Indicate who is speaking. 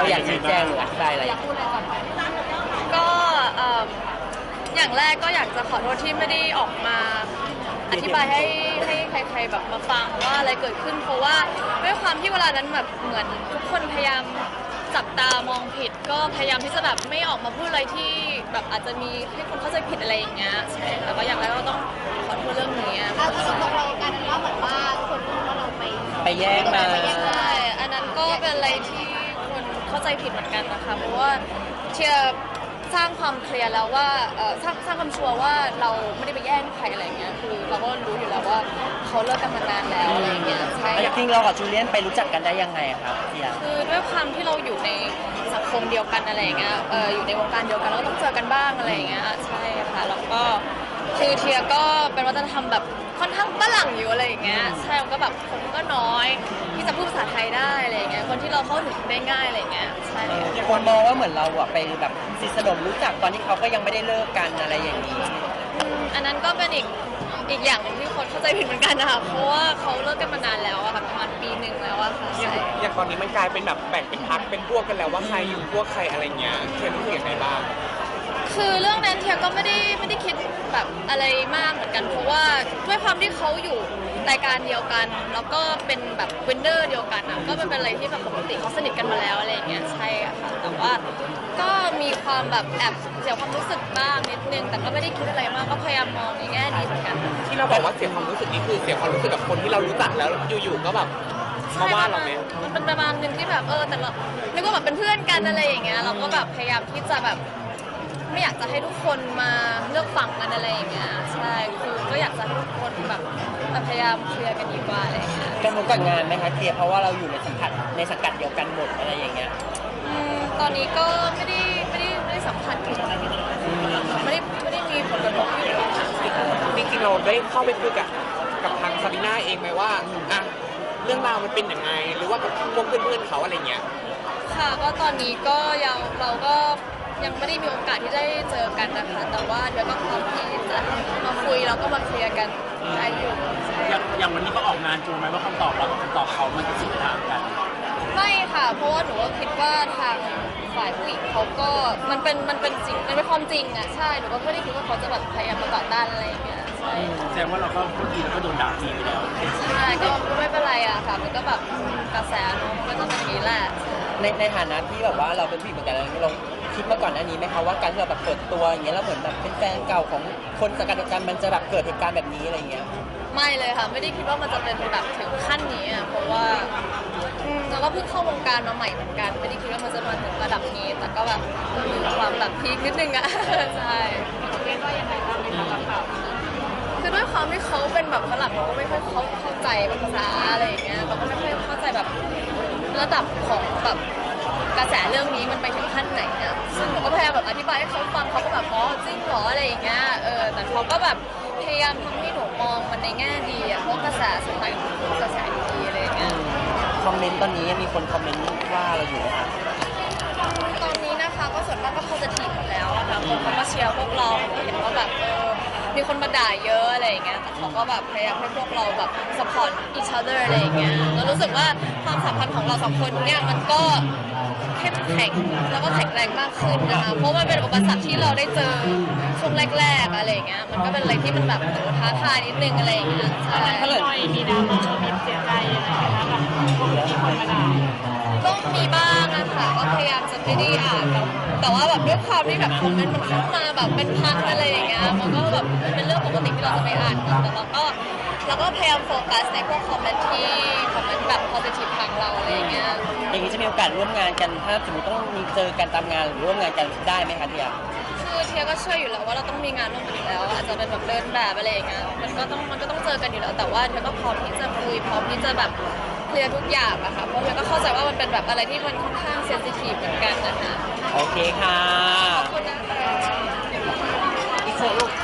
Speaker 1: เราอยากชี้แจงหรืออธิบายอะไร
Speaker 2: ก็อย่างแรกก็อยากจะขอโทษที่ไม่ได้ออกมาอธิบายให้ใครๆแบบมาฟังว่าอะไรเกิดขึ้นเพราะว่าด้วยความที่เวลานั้นแบบเหมือนทุกคนพยายามจับตามองผิดก็พยายามที่จะแบบไม่ออกมาพูดอะไรที่แบบอาจจะมีให้คนเข้าใจผิดอะไรอย่างเงี้ยใช่แต่ก็อย่างแรกก็ต้องขอโทษเรื่องนี้
Speaker 3: เราตกลงกันว่าเหมือนว่าคนว่าเรา
Speaker 1: ไปแย่งมา
Speaker 2: ใช่อันนั้นก็เป็นอะไรที่คนเข้าใจผิดเหมือนกันนะคะเพราะว่าเชียร์สร้างความเคลียร์แล้วว่าสร้างความชัวร์ว่าเราไม่ได้ไปแย่งใครอะไรเงี้ยคือเราก็รู้อยู่แล้วว่าเขาเลิกกันมานานแล้วอะไรเงี้ยใช่
Speaker 1: จริงเรากับจูเลียนไปรู้จักกันได้ยังไงครับเทีย
Speaker 2: คือด้วยความที่เราอยู่ในสังคมเดียวกันอะไรเงี้ยอยู่ในวงการเดียวกันเราก็ต้องเจอกันบ้างอะไรเงี้ยใช่ค่ะแล้วก็คือเทียก็เป็นวัฒนธรรมแบบค่อนข้างฝรั่งอยู่อะไรอย่างเงี้ยใช่ก็แบบคนก็น้อยที่จะพูดภาษาไทยได้อะไรเงี้ยคนที่เราเข้าถึงได้ง่ายอะไรเงี้ยใช่
Speaker 1: คนมองว่าเหมือนเราอะไปแบบสนิทสนมรู้จักตอนที่เขาก็ยังไม่ได้เลิกกันอะไรอย่างนี้
Speaker 2: อันนั้นก็เป็นอีกอย่างหนึ่งที่คนเข้าใจผิดเหมือนกันนะคะเพราะว่าเขาเลิกกันมานานแล้วอะค่ะประมาณปีหนึ่งแล้วอะค่ะ
Speaker 4: อย่างตอนนี้มันกลายเป็นแบบแบ่งเป็นพรรคเป็นพวกกันแล้วว่าใครอยู่พวกใครอะไรเงี้ยเทียนรู้สึกยังไงบ้าง
Speaker 2: คือเรื่องนั้นเทียก็ไม่ได้คิดแบบอะไรมากเหมือนกันเพราะว่าด้วยความที่เขาอยู่รายการเดียวกันแล้วก็เป็นแบบวินเนอร์เดียวกันอ่ะก็เป็นอะไรที่แบบปกติเขาสนิทกันมาแล้วอะไรอย่างเงี้ยใช่ค่ะแต่ว่าก็มีความแบบแอบเสียความรู้สึกบ้างนิดนึงแต่ก็ไม่ได้คิดอะไรมากก็พยายามมองในแง่ดีเหมือนกัน
Speaker 4: ที่เราบอกว่าเสียความรู้สึกนี้คือเสียความรู้สึกกับคนที่เรารู้จักแล้วอยู่ๆก็แบบมาว่าเราไหม
Speaker 2: มันเป็นประมาณนึงที่แบบแต่เรานึกว่าแบบเป็นเพื่อนกันอะไรอย่างเงี้ยเราก็แบบพยายามที่จะแบบไม่อยากจะให้ทุกคนมาเลือกฝั่งกันอะไรอย่างเงี้ยใช่คือก็อยากจะให้ทุกคนแบบพยายามเคลียร์กันดีกว่าอะไรอย่างเงี้ย
Speaker 1: กันรู้กับงานไหมคะเคลียร์เพราะว่าเราอยู่ในสังกัดเดียวกันหมดอะไรอย่างเงี้ย
Speaker 2: ตอนนี้ก็ไม่ได้สำคัญถึงไม่ได้มีผลกระทบอยู่
Speaker 4: จริงๆเราได้เข้าไปคุยกับทางซาบิน่าเองไหมว่าอ่ะเรื่องราวมันเป็นยังไงหรือว่ากับพวกเพื่อนๆเขาอะไรเงี้ย
Speaker 2: ค่ะก็ตอนนี้ก็เราก็ยังไม่ได้มีโอกาสที่ได้เจอกันนะคะแต่ว่าเดี๋ยวก็พร้อมที่จะมาคุยแล้วก็มาเคลียร์กันได้อยู่
Speaker 5: อย่างวันนี้ก็ออกงานจูไหมว่าคำตอบเรากับคำตอบเขามันจะสุดทางกัน
Speaker 2: ไม่ค่ะเพราะว่าหนูก็คิดว่าทางฝ่ายผู้หญิงเขาก็มันเป็นสิ่งมันเป็นความจริงอ่ะใช่หนูก็ไม่ได้คิดว่าเขาจะแบบพยายามมาต่อต้านอะไรอย่างเงี้ยใช่
Speaker 5: แสดงว่าเราก็พูดดีแล้วก็โดนด่าทีไปแล้ว
Speaker 2: ใช่ก็ไม่เป็นไรอะค่ะมันก็แบบกระแสเนาะมันก็จะเป็นอย่างนี้แหละ
Speaker 1: ในฐานะที่แบบว่าเราเป็นผู้หญิงเหมือนกันเราคิดมาก่อนหน้านี้ไหมคะว่าการที่เราแบบเปิดตัวอย่างเงี้ยแล้วเหมือนแบบเป็นแฟนเก่าของคนสังกัดเดียวกันมันจะแบบเกิดเหตุการณ์แบบนี้อะไรเงี้ย
Speaker 2: ไม่เลยค่ะไม่ได้คิดว่ามันจะเป็นแบบถึงขั้นนี้อ่ะเพราะว่าเราก็เพิ่งเข้าวงการมาใหม่เหมือนกันไม่ได้คิดว่ามันจะมาถึงระดับนี้แต่ก็แบบมีความแบบพีคนิดนึงอ่ะใช่เรียกว่ายังไงบ้างไหมคะคือด้วยความที่เขาเป็นแบบฝรั่งเราก็ไม่ค่อยเข้าใจภาษาอะไรอย่างเงี้ยเราก็ไม่ค่อยเข้าใจแบบระดับของแบบกระแสเรื่องนี้มันไปถึงขั้นไหนอ่ะซึ่งหนูก็พยายามแบบอธิบายให้เขาฟังเขาก็แบบอ๋อจริงเหรออะไรอย่างเงี้ยแต่เขาก็แบบพยายามทำให้หนูมองมันในแง่ดีอ่ะเพราะกระแสสุดท้ายคือกระแสดีๆอะไรอย่างเงี้ย
Speaker 1: คอมเมนต์ตอนนี้มีคนคอมเมนต์ว่าเราอยู่นะคะ
Speaker 2: ตอนนี้นะคะก็ส่วนมากก็โพสิทีฟหมดแล้วนะคะคนเขาก็เชียร์พวกเราเห็นว่าแบบมีคนมาด่าเยอะอะไรอย่างเงี้ยแต่เขาก็แบบพยายามให้พวกเราแบบ support each other อะไรอย่างเงี้ยแล้วรู้สึกว่าความสัมพันธ์ของเราสองคนเนี่ยมันก็เข้มแข็งแล้วก็แข็งแรงมากขึ้นนะคะเพราะมันเป็นอุปสรรคที่เราได้เจอช่วงแรกๆอะไรอย่างเงี้ยมันก็เป็นอะไรที่มันแบบท้าทายนิดนึงอะไรอย่างเงี้ยใช่
Speaker 3: มีดราม่ามีเสียใจอะไรไหมคะแบบคนที่คนมาด่า
Speaker 2: ก็มีบ้างนะคะก็พยายามจะไม่ได้อ่านแต่ว่าแบบด้วยความที่แบบคอมเมนต์มันเข้ามาแบบเป็นพันอะไรอย่างเงี้ยมันก็แบบเป็นเรื่องปกติที่เราจะไม่อ่านแต่เราก็พยายามโฟกัสในพวกคอมเมนต์ที่คอมเมนต์แบบ positive ทางเราอะไรอย่างเงี้ย
Speaker 1: อย่างนี้จะมีโอกาสร่วมงานกันถ้าสมมติต้องมีเจอกันตามงานหรือร่วมงานกันได้ไหมคะเทีย
Speaker 2: คือเทียก็เชื่ออยู่แล้วว่าเราต้องมีงานร่วมกันอยู่แล้วอาจจะเป็นแบบเดินแบบอะไรอย่างเงี้ยมันก็ต้องเจอกันอยู่แล้วแต่ว่าเทียก็พร้อมที่จะคุยพร้อมที่จะแบบเคลียร์ทุกอย่างอะค่ะเพราะเทียก็เข้าใจว่ามันเป็นแบบอะไรที่มันค่อนข้างเซนซิทีฟเหมือนกันนะคะ
Speaker 1: โอเคค่ะ
Speaker 2: ขอบคุณนะคะ
Speaker 1: อีกเซอร์ลูก